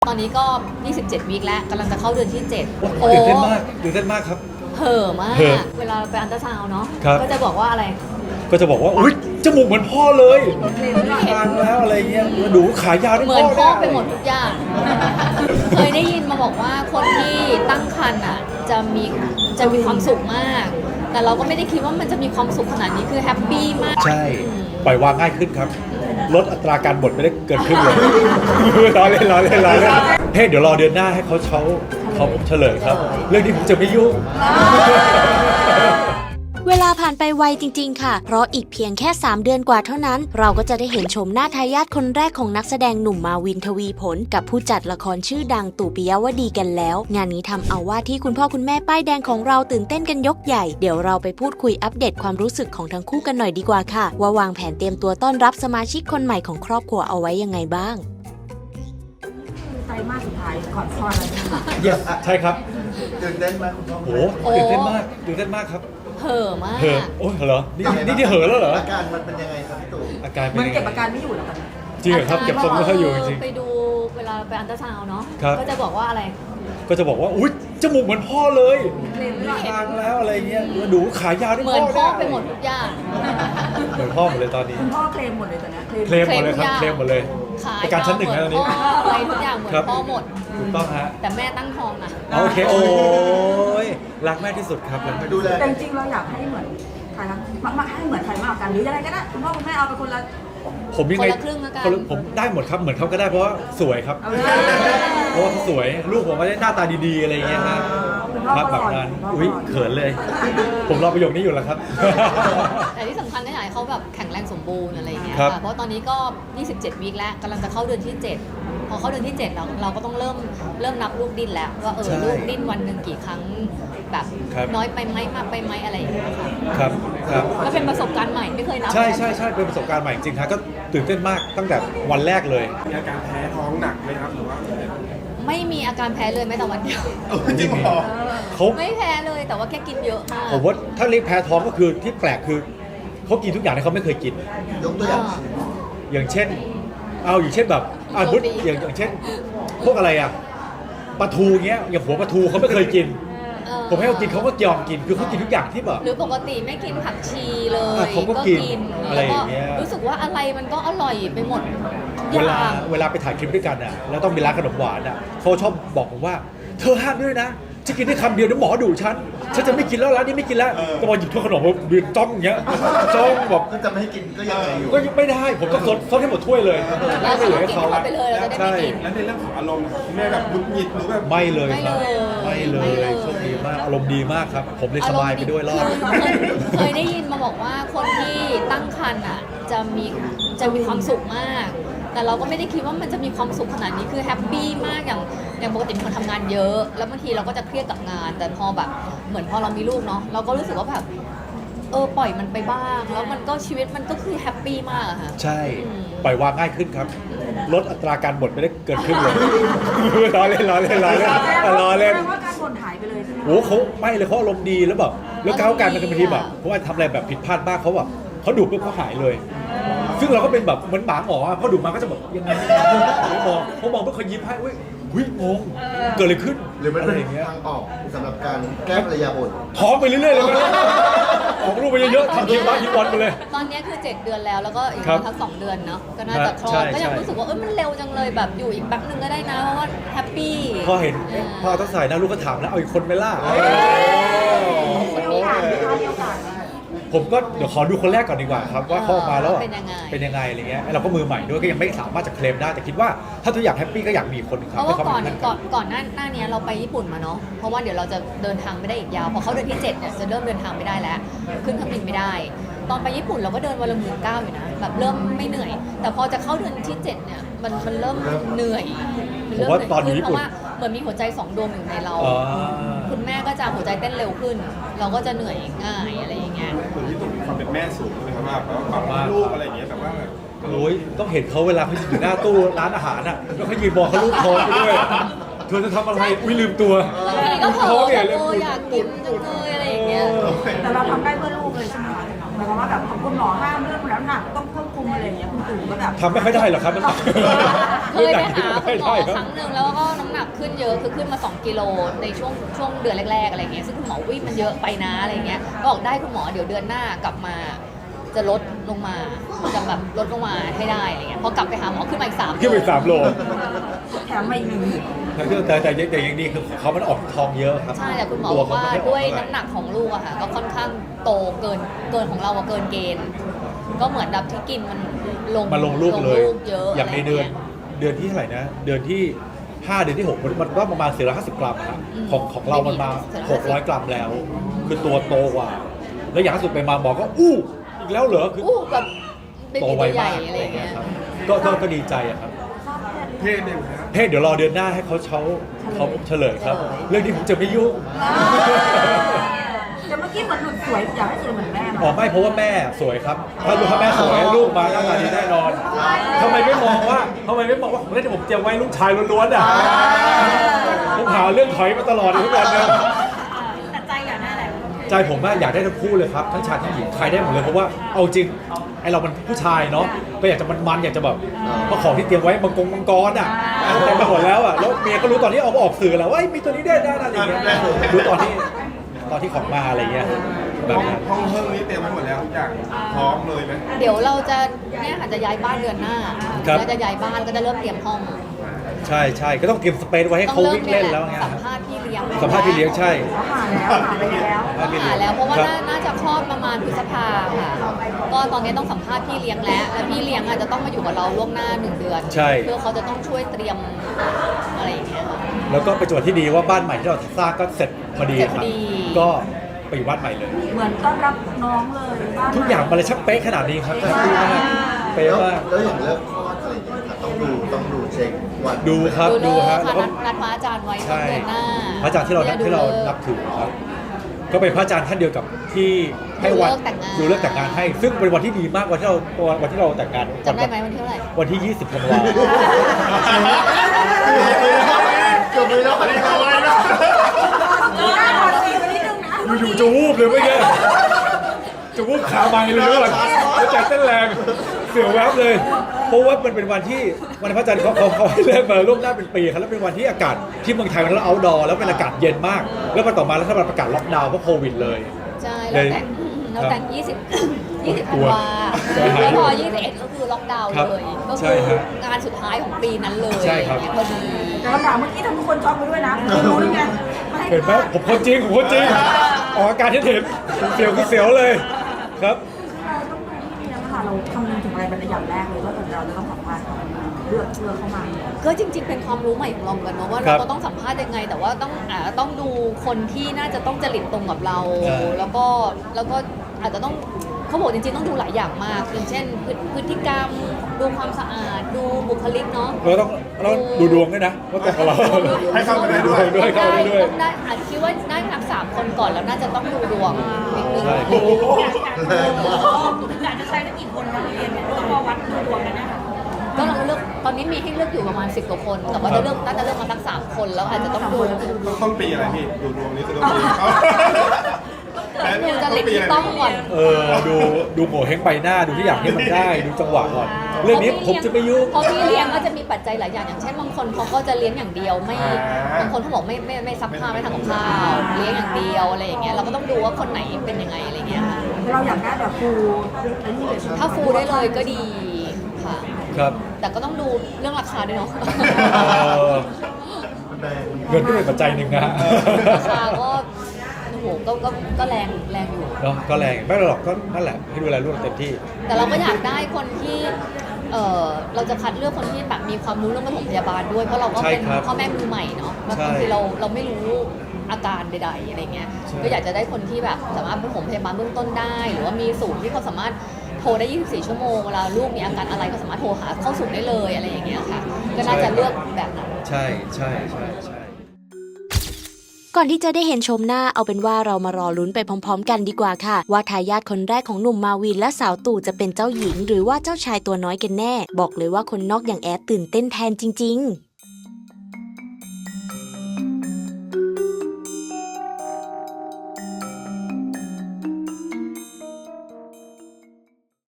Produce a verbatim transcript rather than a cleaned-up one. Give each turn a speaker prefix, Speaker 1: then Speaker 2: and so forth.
Speaker 1: ตอนนี้ก็ ยี่สิบเจ็ด วีคแล้วกำลังจะเข้าเดือนที่เจ็ด
Speaker 2: โอ้ตื่นเต้นมากตื่นเต้นมากครับ
Speaker 1: เห่อะมาก
Speaker 2: เห่อ
Speaker 1: เวลาไปอันตราซาวน์เนาะ
Speaker 2: ครับ
Speaker 1: ก็จะบอกว่าอะไร
Speaker 2: ก็จะบอกว่าอุ้ยจมูกเหมือนพ่อเลย
Speaker 1: เห็น
Speaker 2: ทานแล้วอะไรเงี้ยดูขายาวได้
Speaker 1: เหมือนพ่อ
Speaker 2: ด้
Speaker 1: ไปหมดทุกอย่าง เคยได้ยินมาบอกว่าคนที่ตั้งครรภ์อ่ะจะมีจะมีความสุขมาก แต่เราก็ไม่ได้คิดว่ามันจะมีความสุขขนาดนี้คือแฮปปี้มาก
Speaker 2: ใช่ปล่อยวางง่ายขึ้นครับลดอัตราการบ่นไม่ได้เกินครึ่งเลย ล้อเล่นล้อเล่นล้อเล่นเฮ้ยเดี๋ยวรอเดือนหน้าให้เขาเขาเขาเฉลยครับ เรื่องนี้ผมจะไม่ยุ่ง
Speaker 3: เวลาผ่านไปไวจริงๆค่ะ เพราะอีกเพียงแค่สามเดือนกว่าเท่านั้น เราก็จะได้เห็นชมหน้าทายาทคนแรกของนักแสดงหนุ่มมาวินทวีผล กับผู้จัดละครชื่อดังตู่ปิยวดีกันแล้ว งานนี้ทำเอาว่าที่คุณพ่อคุณแม่ป้ายแดงของเราตื่นเต้นกันยกใหญ่ เดี๋ยวเราไปพูดคุยอัปเดตความรู้สึกของทั้งคู่กันหน่อยดีกว่าค่ะ ว่าวางแผนเตรียมตัวต้อนรับสมาชิกคนใหม่ของครอบครัวเอาไว้ยังไงบ้าง
Speaker 4: ไตรมาสสุดท้ายก่อนคลอดแล้วเนี่ยค่ะ
Speaker 2: yes ใช่ครับ
Speaker 5: ตื่นเต้นไหมคุณพ่อ
Speaker 2: โอ้โหตื่นเต้นมากตื่นเต้นมากครับ
Speaker 1: เห่อะมาก
Speaker 2: เหอะโอ้ยเหรอนี่นี่ที่เหอะแล้วเหรอ
Speaker 5: อาการมันเป็นยังไงครับพี่ตู่
Speaker 2: อาการเป็
Speaker 4: มัน
Speaker 2: นยัง
Speaker 4: เก็บ
Speaker 2: ไง
Speaker 4: อาการไม่อยู่แล้วกัน
Speaker 2: จริงเหรอครับเก็บทรงไม่ค่อยอยู่จริง
Speaker 1: ไปดูเวลาไปอันตราซาวน์เนาะ
Speaker 2: ครับ
Speaker 1: ก็จะบอกว่าอะไร
Speaker 2: ๆก็จะบอกว่าอุ้ยจมูกเหมือนพ่อเลย
Speaker 4: เคลมด้วย
Speaker 2: ทานแล้วอะไรเงี้ยดูขายาวได้
Speaker 1: เหมือนพ่อไป
Speaker 2: ด้
Speaker 1: หมดทุกอย่าง
Speaker 2: เหมือนพ่อหมดเลยตอนนี้
Speaker 4: คุณพ่อเคลมหมดเลยตอนเนี้ยเคลม
Speaker 2: เคลมหมดเลยครับเคลมหมดเลย
Speaker 1: ขาย
Speaker 2: ประกันชั้นหนึ่งนะตอนนี้
Speaker 1: อะไรทุกอย่างเหมือน
Speaker 2: ครับ
Speaker 1: พ่อหมด
Speaker 2: ถูกต้องฮะ
Speaker 1: แต่แม่ตั้งท้องอ่ะ
Speaker 2: โอเคโอ้ยรักแม่ที่สุดครับรักแม่
Speaker 5: ดูแล
Speaker 4: แต่จริงๆเราอยากให้เหมือนใครนะมามาให้เหมือนใครมากกว่ากันหรือยังไงก็ได้คุณพ่อคุณแม่เอาไปคนละ
Speaker 2: ผมยังไง
Speaker 1: คนละครึ่งแล้วกัน
Speaker 2: คนละผมได้หมดครับเหมือนเขาก็ได้เพราะว่าสวยครับ
Speaker 4: เอาเลย
Speaker 2: เพราะว่าเขาสวยลูกผมก็ได้หน้าตาดีๆอะไรอย่างเงี้ยฮะ
Speaker 4: คุณพ่อ
Speaker 2: ครับ
Speaker 4: ก็
Speaker 2: แบบ
Speaker 4: หล่อ
Speaker 2: นั้น
Speaker 4: คุณพ่อ
Speaker 2: อุ้ย
Speaker 4: ก็หล่อ
Speaker 2: เขินเลย ผมรอประโยคนี้อยู่แล้วครับ
Speaker 1: แต่ที่สำคัญก็อยากให้เขาแบบแข็งแรงสมบูรณ์อะไรอย่างเงี้ย
Speaker 2: ครับ
Speaker 1: ค่ะ เพราะตอนนี้ก็ ยี่สิบเจ็ด วีคแล้วกำลังจะเข้าเดือนที่ เจ็ด พอเข้าเดือนที่ เจ็ดเราเราก็ต้องเริ่มเริ่มนับลูกดิ้นแล้วว่าเออ
Speaker 2: ใช่
Speaker 1: ลูกดิ้นวันหนึ่งกี่ครั้งแบบ
Speaker 2: ครับ
Speaker 1: น้อยไปไหมมากไปไหมอะไรอย่างเงี้ยค่ะ
Speaker 2: ครับครับ
Speaker 1: ก็เป็นประสบการณ์ใหม่ไม่เคยนับ
Speaker 2: ใช่ใช่ใช่เป็นประสบการณ์ใหม่จริงๆครับก็ตื่นเต้นมากตั้งแต่วันแรกเลย
Speaker 6: มีอาการแพ้ท้องหนักไหมครับหรือว่า
Speaker 1: ไม่มีอาการแพ้เลยแม้แต่วันเดียว
Speaker 5: จริงเหรอ
Speaker 2: เขา
Speaker 1: ไม่แพ้เลยแต่ว่าแค่กินเยอะมาก
Speaker 2: ผมว่าถ้าเรียกแพ้ท้องก็คือที่แปลกคือเขากินทุกอย่างที่เขาไม่เคยกิน
Speaker 5: ยกตัวอย่าง
Speaker 2: อย่างเช่น เอาอย่างเช่นแบบอ่า
Speaker 1: โช
Speaker 2: บุ
Speaker 1: คดี
Speaker 2: อย่างอย่างเช่น พวกอะไรอ่ะปลาทูเงี้ยอย่างหัวปลาทูเขาไม่เคยกิน
Speaker 1: เออ
Speaker 2: ผมให้เขากินเขาก็ยอมกินคือเขากินทุกอย่างที่แบบ
Speaker 1: หรือปกติไม่กินผักชีเลย
Speaker 2: อ่ะเขาก็กินอะไร
Speaker 1: แล้ว
Speaker 2: อย่างเงี้ย
Speaker 1: รู้สึกว่าอะไรมันก็อร่อยไปหมด
Speaker 2: เวลาเวลาไปถ่ายคลิปด้วยกันอ่ะแล้วต้องมีร้านขนมหวานอ่ะเขาชอบบอกผมว่า เธอห้ามด้วยนะจะกินได้คำเดียวเดี๋ยวหมอดุฉันฉันจะไม่กินแล้วร้านนี้ไม่กินแล้วแต่พอหยิบถ้วยขนมมายืนจ้องอย่างเงี้ยจ้องแบบ
Speaker 5: ก็จะไม่ให้กินก็ยังไงอยู่
Speaker 2: ก็ไม่ได้ผมต้องซดซดให้หมดถ้วยเลย
Speaker 1: แล้ว
Speaker 2: ไม่เหลือให้
Speaker 1: กิน
Speaker 2: เขา
Speaker 1: เข้าไปเลยเราจะได้
Speaker 2: ใช่
Speaker 1: ไม่กิน
Speaker 6: แล้วในเรื่องของอารมณ์คุณแม่แบบหงุดหงิดหรือแบบ
Speaker 2: ไม่เลย
Speaker 1: ไม่
Speaker 2: ครับ
Speaker 1: เลย
Speaker 2: ไม่เล
Speaker 1: ไม่
Speaker 2: ย
Speaker 1: เลย
Speaker 2: โชคดีมากอารมณ์ดีมากครับ ผมเลยสบายไปด้วยรอด
Speaker 1: เคยเคยได้ยินมาบอกว่าคนที่ตั้งครรภ์อ่ะจะมีจะมีความสุขมาก แต่เราก็ไม่ได้คิดว่ามันจะมีความสุขขนาดนี้คือแฮปปี้มากอย่างอย่างปกติเป็นคนทำงานเยอะ แล้วบางทีเราก็จะเครียดกับงาน แต่พอแบบเหมือนพอเรามีลูกเนาะเราก็รู้สึกว่าแบบเออปล่อยมันไปบ้าง แล้วมันก็ชีวิตมันก็คือแฮปปี้มากอะค่ะ
Speaker 2: ใช่
Speaker 1: อืม
Speaker 2: ปล่อยวางง่ายขึ้นครับลดอัตราการบ่นไม่ได้เกินครึ่งเลย ล้อเล่นล้อเล่นล้อเล่นล้อเล่น
Speaker 4: แสดงว่าการบ่นหายไปเลยใช่ไหม
Speaker 2: โอ้เขาไม่เลยเขาอารมณ์ดีแล้วแบบแล้วก้าวการมันบางทีแบบเพราะว่าทำอะไรแบบผิดพลาดบ้างเขาแบบเขาดุปุ๊บเขาหายเลย ซึ่งเราก็เป็นแบบเหมือนหมาหมออะพอดุมาก็จะแบบยังไงไม่มองเขามองปุ๊บเขายิ้มให้เว้ยหุ้ยงงเกิดอะไรขึ้น
Speaker 5: หรือมัน
Speaker 2: อะ
Speaker 5: เป็
Speaker 2: ไร
Speaker 5: น
Speaker 2: อย่างเงี้ย
Speaker 5: ทางออกสำหรับการแก้ภรรยาบ่น
Speaker 2: ท้องไปเรื่อยๆเลยมั้ยออกลูกไปเยอะๆทำคิวบ้านคิวบอลไปเลย
Speaker 1: ตอนนี้คือเจ็ดเดือนแล้วแล้วก็อีก
Speaker 2: ครับ
Speaker 1: ทักสองเดือนเนาะก็น่าจะคลอ
Speaker 2: ใช่
Speaker 1: ดก็ยัง
Speaker 2: ใช่
Speaker 1: รู้สึกว่าเออมันเร็วจังเลยแบบอยู่อีกแป๊บนึงก็ได้นะเพราะว่าแฮปปี้
Speaker 2: พอเห็นเอ๊ะพอต้องใส่หน้าลูกก็ถามแล้วเอาอีกคนไหมล่ะ
Speaker 4: มีโอกาสไหมคะมีโอกาสไหม
Speaker 2: ผมก็เดี๋ยวขอดูคนแรกก่อนดีกว่าครับว่าเขาออกมาแล้วอะ
Speaker 1: เป็นยังไง
Speaker 2: เป็นยังไงอะไรเงี้ยเราก็มือใหม่ด้วยก็ยังไม่สามารถจะเคลมได้แต่คิดว่าถ้าทุกอย่างแฮปปี้ก็อยากมีอีกคนหนึ่งค
Speaker 1: เพ
Speaker 2: รับ
Speaker 1: ราะว่า
Speaker 2: ให้
Speaker 1: ก่อน
Speaker 2: เขาเป็น
Speaker 1: ก่อนก่อนหน้าหน้านี้เราไปญี่ปุ่นมาเนาะเพราะว่าเดี๋ยวเราจะเดินทางไม่ได้อีกยาวพอเขาเดือนที่เจ็ดเนี่ยจะเริ่มเดินทางไม่ได้แล้วขึ้นเครื่องบินไม่ได้ ตอนไปญี่ปุ่นเราก็เดินวันละหมื่นเก้าอยู่นะแบบเริ่มไม่เหนื่อย แต่พอจะเข้าเดือนที่เจ็ดเนี่ยมันมันเริ่มเหนื่อยมัน
Speaker 2: ผม
Speaker 1: เริ่ม
Speaker 2: ว่า
Speaker 1: เหนื่อย
Speaker 2: ตอนอยู่
Speaker 1: ขึ้น
Speaker 2: ญี่
Speaker 1: เพ
Speaker 2: ปุ่น
Speaker 1: ราะว่าเหมือนมีหัวใจสองดวงอยู่ในเรา
Speaker 2: อ๋อ
Speaker 1: คุณแม่ก็จะหัวใจเต้นเร็วขึ้น เราก็จะเหนื่อยง่ายอะไรอย่างเงี้ย
Speaker 6: ส่วนที่ตุ่มมีความเป็นแม่สูงเลยครับว่าแบบว่าความลูกอะไรอย่างเงี้ยแบบว่าแบบ
Speaker 2: โอ้ยต้องเห็นเขาเวลาเขาอยู่หน้าตู้ร้านอาหารอ่ะแล้วเขายืนมองเขาลูกท้องไปด้วยเธอจะทำอะไรอุ้ยลืมตัว
Speaker 1: บางทีก็เผล
Speaker 2: ท้
Speaker 1: อ
Speaker 2: อง
Speaker 1: แบ
Speaker 2: เนี่ย
Speaker 1: บ
Speaker 2: เลย
Speaker 1: โอ้อยากกินจังเลยอะไรอย่างเงี้ย
Speaker 4: แต่เราทำได้เพื่อลูกเลยใช่ไหมคะหมายความว่าแบบของคุณหมอห้ามเรื่องแล้วหนักต้องควบคุมคุมอะไรอย่างเงี้ยคุณตู่ก็แบบ
Speaker 2: ทำไม่ค่อยได้หรอกครับมันหนัก
Speaker 1: เคยไปหาคุณหมอ
Speaker 2: ค
Speaker 1: ครับ รั้งหนึ่งแล้วก็น้ำหนักขึ้นเยอะคือขึ้นมาสองกิโลในช่วงช่วงเดือนแรกๆอะไรเงี้ยซึ่งคุณหมอวิ่งมันเยอะไปนะอะไรเงี้ยก็บอกได้คุณหมอเดี๋ยวเดือนหน้ากลับมาจะลดลงมาจะแบบลดลงมาให้ได้อะไรเงี้ยพอกลับไปหาหมอขึ้นมาอีกสาม
Speaker 2: ขึ้นไปสามโล
Speaker 4: แถมมาอีกหนึ่ง
Speaker 2: แต่แต่แต่แต่อย่างดีคือเขามันออกทองเยอะครับ
Speaker 1: ใช่แต่คุณหมอ
Speaker 2: ตั
Speaker 1: บอก
Speaker 2: เข
Speaker 1: ว่า
Speaker 2: ไม่ค่อ
Speaker 1: ด้วย
Speaker 2: ออกเท่าไหร่
Speaker 1: น้ำหนักของลูกอะค่ะก็ค่อนข้างโตเกินเกินของเราอะเกินเกณฑ์ ก็เหมือนแบบที่กินมันลง
Speaker 2: มาลงลูกเลย
Speaker 1: เยอะ
Speaker 2: อย่างในเดือนเดือนที่เท่าไหร่นะ เดือนที่ห้าเดือนที่หกมันมันก็ประมาณสี่ร้อยห้าสิบกรัมอะครับของของเรามันมาหกร้อยกรัมแล้ว คือตัวโตกว่า แล้วอย่างล่าสุดไปมาหมอก็อู้อีกแล้วเหรอคือ
Speaker 1: อู้แบบเป็น
Speaker 2: โต
Speaker 1: ตัว
Speaker 2: ไว
Speaker 1: ใหญ่
Speaker 2: มาก
Speaker 1: อะไรอย่างเงี้ย
Speaker 2: ครับก็ก็ก็ดีใจอะครับ
Speaker 6: เพศเนี่ยนะ
Speaker 2: เพศเดี๋ยวรอเดือนหน้าให้เขาเขาเขาเฉลยครับ เรื่องนี้ผมจะไม่ยุ่ง
Speaker 4: แต่เมื่อกี้เหมือนหลุดสวยอยากให้สวยเหมือนแม่มา
Speaker 2: อ๋อไม่เพราะว่าแม่สวยครับ ถ้าลูกถ้าแม่สวยลูกมาหน้าตาดีแน่นอนทำไมไม่มองว่าทำไมไม่มองว่าของเล่นที่ผมเตรียมไว้ลูกชายล้วนๆอ่ะผมหาเรื่องถอยมาตลอดทุกวันเลย
Speaker 4: แต่ใจอยากได้อะไร
Speaker 2: ใจผมว่าอยากได้ทั้งคู่เลยครับทั้งชายทั้งหญิงใครได้หมดเลยเพราะว่าเอาจริงไอเรามันผู้ชายเนาะก็อยากจะมันๆอยากจะแบบเพราะของที่เตรียมไว้มังกรมังกรอ่ะเต็มไปหมดแล้วอ่ะแล้วเมียก็รู้ตอนที่เอาออกสื่อแล้วว่ามีตัวนี้ได้ได้อะไรอย่างเงี้ยรู้ตอนที่ตอนที่ของมาอะไรเงี้ยแบบนั้น
Speaker 6: ห้องเพิ่งนี้เตรียมไว้หมดแล้วทุกอย่างพร้อมเลยไหม
Speaker 1: เดี๋ยวเราจะเนี่ยค่ะจะย้ายบ้านเดือนหน้า
Speaker 2: ครับ
Speaker 1: เราจะย้ายบ้านก็จะเริ่มเตรียมห้อง
Speaker 2: ใช่ใช่ก็ต้องเตรียมสเปซไว้ให้
Speaker 1: ต้อง
Speaker 2: เขา
Speaker 1: เริ่ม
Speaker 2: วิ่ง
Speaker 1: เนี่ย
Speaker 2: เล่น
Speaker 1: แห
Speaker 2: แล้
Speaker 1: ละ
Speaker 2: วไง
Speaker 1: สัมภาษณ์พี่เลี้ยง
Speaker 2: สัมภาษณ์พี่เลี้ยงใช่
Speaker 4: หาแล้วหาไปแล้ว
Speaker 1: ต้องหาแล้วเพราะว่า
Speaker 2: ครับ
Speaker 1: น่าน่าจะคลอดประมาณพฤษภาค่ะ ก็ตอนนี้ต้องสัมภาษณ์พี่เลี้ยงแล้วและพี่เลี้ยงอาจจะต้องมาอยู่กับเราล่วงหน้าหนึ่งเดือน
Speaker 2: ใช่
Speaker 1: เพื่อเขาจะต้องช่วยเตรียมอะไรอย่างเงี้ยค่ะ
Speaker 2: แล้วก็เป็นจังหวะที่ดีว่าบ้านใหม่ที่เราสร้างก็เสร็จพอดี
Speaker 1: เสร็จ
Speaker 2: ค
Speaker 1: พ
Speaker 2: รั
Speaker 1: อบ ดี
Speaker 2: ก็ไปอยู่บ้านใหม่เลย
Speaker 4: เหมือนต้อนรับน้องเลยบ้าน
Speaker 2: ทุกอย่างมันเลยช่างเป๊ะขนาดนี้ครับดีมากเป๊ะ
Speaker 5: แล้ว
Speaker 2: มาก
Speaker 5: แล้วอย่างเลิกคลอดอะไรอย่างเงี้ยครับต้องดูต้องดูเช็ควัน
Speaker 2: ดูครับ
Speaker 1: ดู
Speaker 2: ดู
Speaker 1: เลิก
Speaker 2: ฮะ
Speaker 1: ค่ะ
Speaker 2: แล้วก็
Speaker 1: นัดนัดพระอาจารย์ไว้
Speaker 2: ใช่
Speaker 1: เดือนหน้า
Speaker 2: พระอาจารย์ที่เรานับ
Speaker 1: นี่ย
Speaker 2: ที่เรา
Speaker 1: ดูลิก
Speaker 2: นับถือครับ ก็เป็นพระอาจารย์ท่านเดียวกับที่ให้วัน
Speaker 1: ดูเลิกแต่งงาน
Speaker 2: ดูเลิกแต่งงานให้ ซึ่งเป็นวันที่ดีมากวันที่เราวันที่เราแต่งงาน
Speaker 1: จำได้ไหมวันที่เท่าไหร่
Speaker 2: วันที่ ยี่สิบธันวา
Speaker 5: เกือบเลยแล้วเกือบเลยแล้ว
Speaker 2: อยู่ๆจะวูบเลยเมื่อกี้จะวูบขาไม้เลยด้วยแล้วใจเต้นแรงเสียวแวบเลย เพราะว่ามันเป็นวันที่วันพระอาจารย์เขาเขาเขาให้เลิกมาล่วงหน้าเป็นปีครับแล้วเป็นวันที่อากาศที่เมืองไทยมันแล้วเอาดอแล้วเป็นอากาศเย็นมาก แล้วมันต่อมาแล้วถ้ามันประกาศล็อกดาวน์เพราะโควิดเลย
Speaker 1: ใช่
Speaker 2: เล
Speaker 1: เรา
Speaker 2: ย
Speaker 1: แต่งเราแต่งยี่สิบ ยี่สิบ
Speaker 2: ก
Speaker 1: ธั
Speaker 2: ลั
Speaker 1: น
Speaker 2: ว
Speaker 1: วา
Speaker 2: ใช่ครับ
Speaker 1: แล้วพอยี่สิบเอ็ดก็คือล็อกดาวน์
Speaker 2: ครับ
Speaker 1: เลยก็
Speaker 2: ใช่
Speaker 1: คือ
Speaker 2: ฮะ
Speaker 1: งานสุดท้ายของปีนั้นเลย
Speaker 2: ใช่ครับ
Speaker 1: อย่างเงี้ยพอดี
Speaker 4: แต่คำถามเมื่อกี้ทำทุกคนช็อกไปด้วยนะคุณรู้หรือไงไม่ให้
Speaker 2: เห็นไหมผมคนจริงผมคนจริงออกอาการที่เห็นเสียวคือเสียวเลยครับ
Speaker 4: เราต้องดูที่นี่นะคะเราคำนึงถึงอะไรเป็นอย่างแรกเลยว่าเราจะต้องสัมภาษณ์เขาเลือกเลือกเข้ามา
Speaker 1: ก็จริง ๆ เป็นความรู้ใหม่ของเราเหมือนกันเนอะว่า
Speaker 2: ครั
Speaker 1: เรา
Speaker 2: บ
Speaker 1: ก็ต้องสัมภาษณ์ยังไง แต่ว่าต้องอ่าต้องดูคนที่น่าจะต้องจริตตรงกับเรา
Speaker 2: เออ
Speaker 1: แล้วก็แล้วก็อาจจะต้องเขาบอกจริงๆต้องดูหลายอย่างมากอย่างเช่นพฤพฤติกรรม ดูความสะอาด ดูบุคลิกเนาะ
Speaker 2: เราต้องเราต้องดูดวงด้วยนะว่าตรงกับเรา
Speaker 6: ให้เข้าไปได้ด้วย
Speaker 2: ด้วยเข้าไปได้ด้วย
Speaker 1: ต้องได้อาจจะคิดว่าได้ทั้งสามคนก่อนแล้วน่าจะต้องดูดวงนิดนึง
Speaker 2: ใช่
Speaker 4: อยากจะใช้ได้กี่คนมาเรียนเนี่ยต้องมาวัดดูดวงกันนะคะ
Speaker 1: ก็เราเลือกตอนนี้มีให้เลือกอยู่ประมาณสิบกว่าคน แต่ว่าจะเลือกน่าจะเลือกมาสักสามคนแล้วอาจจะต้องดู
Speaker 6: ต้องต้นปีอะไรพี่ดูดวงนี้คือต้นปี
Speaker 1: ดูจริตที่ต้องก่อน
Speaker 2: เออดูดูโง่เฮงใบหน้าดูที่อย่างที่มันได้ดูจังหวะก่อน เรื่องนี้ผมจะไม่ยุ่ง
Speaker 1: เพราะพี่เลี้ยงก็จะมีปัจจัยหลายอย่างอย่างเช่นบางคนเขาก็จะเลี้ยงอย่างเดียวไม่บางคนเขาบอกไม่ไม่ไม่ซักผ้าไม่ทำกับข้าวเลี้ยงอย่างเดียวอะไรอย่างเงี้ยเราก็ต้องดูว่าคนไหนเป็นยังไงอะไรเงี้ยค่ะ
Speaker 4: เราอยากได้แบบฟูไอ้นี่เลยใช่ไหม
Speaker 1: ถ้าฟูได้เลยก็ดีค่ะ
Speaker 2: ครับ
Speaker 1: แต่ก็ต้องดูเรื่องราคาด้วยเนาะ
Speaker 2: เออเงินก็เป็นปัจจัยหนึ่งนะฮะ
Speaker 1: ราคาก็โอ้โหก็ก็ก็แรงแรงอยู่
Speaker 2: เนาะก็แรงไม่หรอกก็นั่นแหละให้ดูแลลูกเต็มที่
Speaker 1: แต่เราก็อยากได้คนที่เออเราจะคัดเลือกคนที่แบบมีความรู้เรื่องปฐมพยาบาลด้วยเพราะเราก็เป็น
Speaker 2: ใช่ครับ
Speaker 1: พ่อแม่มือใหม่เนาะ
Speaker 2: ใช่
Speaker 1: บางทีเราเราไม่รู้อาการใดๆอะไรเงี้ย
Speaker 2: ใช่
Speaker 1: ก็อยากจะได้คนที่แบบสามารถปฐมพยาบาลเบื้องต้นได้ หรือว่ามีศูนย์ที่เขาสามารถโทรได้ยี่สิบสี่ชั่วโมงเวลาลูกมีอาการอะไรก็สามารถโทรหาเข้าศูนย์ได้เลยอะไรอย่างเงี้ยค่ะก็น่าจะเลือกแบบนั้น
Speaker 2: ใช่ใช่ใช่ใช่
Speaker 3: ก่อนที่จะได้เห็นชมหน้าเอาเป็นว่าเรามารอลุ้นไปพร้อมๆกันดีกว่าค่ะ ว่าทายาทคนแรกของหนุ่มมาวินและสาวตู่จะเป็นเจ้าหญิง หรือว่าเจ้าชายตัวน้อยกันแน่ บอกเลยว่าคนนอกอย่างแอดตื่นเต้นแทนจริงๆ